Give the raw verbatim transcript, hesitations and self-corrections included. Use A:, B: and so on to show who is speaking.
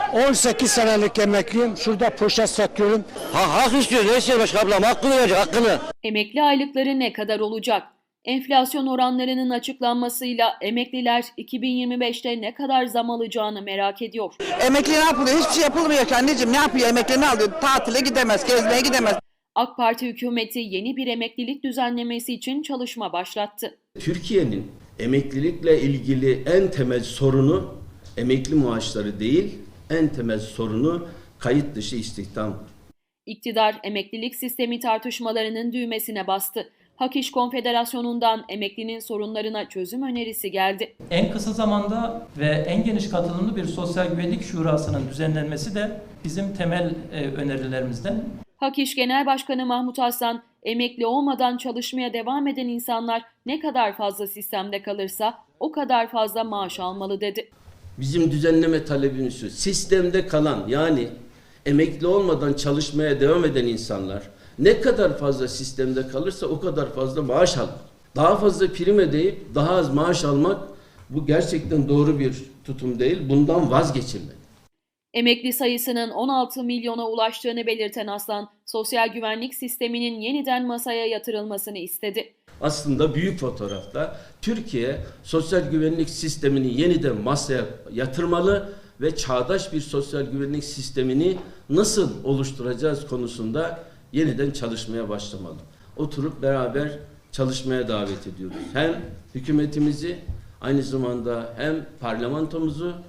A: on sekiz senelik emekliyim. Şurada poşet satıyorum.
B: Ha, hak istiyor Reisel Başkan ablam, hakkını verecek, hakkını.
C: Emekli aylıkları ne kadar olacak? Enflasyon oranlarının açıklanmasıyla emekliler iki bin yirmi beşte ne kadar zam alacağını merak ediyor.
D: Emekli ne yapılıyor? Hiçbir şey yapılmıyor ki anneciğim. Ne yapıyor? Emekli ne alıyor? Tatile gidemez, gezmeye gidemez.
C: AK Parti hükümeti yeni bir emeklilik düzenlemesi için çalışma başlattı.
E: Türkiye'nin emeklilikle ilgili en temel sorunu emekli maaşları değil, en temel sorunu kayıt dışı istihdam.
C: İktidar emeklilik sistemi tartışmalarının düğmesine bastı. Hak İş Konfederasyonu'ndan emeklinin sorunlarına çözüm önerisi geldi.
F: En kısa zamanda ve en geniş katılımlı bir sosyal güvenlik şurasının düzenlenmesi de bizim temel e, önerilerimizden.
C: Hak İş Genel Başkanı Mahmut Aslan, emekli olmadan çalışmaya devam eden insanlar ne kadar fazla sistemde kalırsa o kadar fazla maaş almalı dedi.
E: Bizim düzenleme talebimiz şu: sistemde kalan, yani emekli olmadan çalışmaya devam eden insanlar ne kadar fazla sistemde kalırsa o kadar fazla maaş alır. Daha fazla prim ödeyip daha az maaş almak, bu gerçekten doğru bir tutum değil. Bundan vazgeçilmeli.
C: Emekli sayısının on altı milyona ulaştığını belirten Aslan, sosyal güvenlik sisteminin yeniden masaya yatırılmasını istedi.
E: Aslında büyük fotoğrafta Türkiye sosyal güvenlik sistemini yeniden masaya yatırmalı ve çağdaş bir sosyal güvenlik sistemini nasıl oluşturacağız konusunda yeniden çalışmaya başlamalı. Oturup beraber çalışmaya davet ediyoruz. Hem hükümetimizi, aynı zamanda hem parlamentomuzu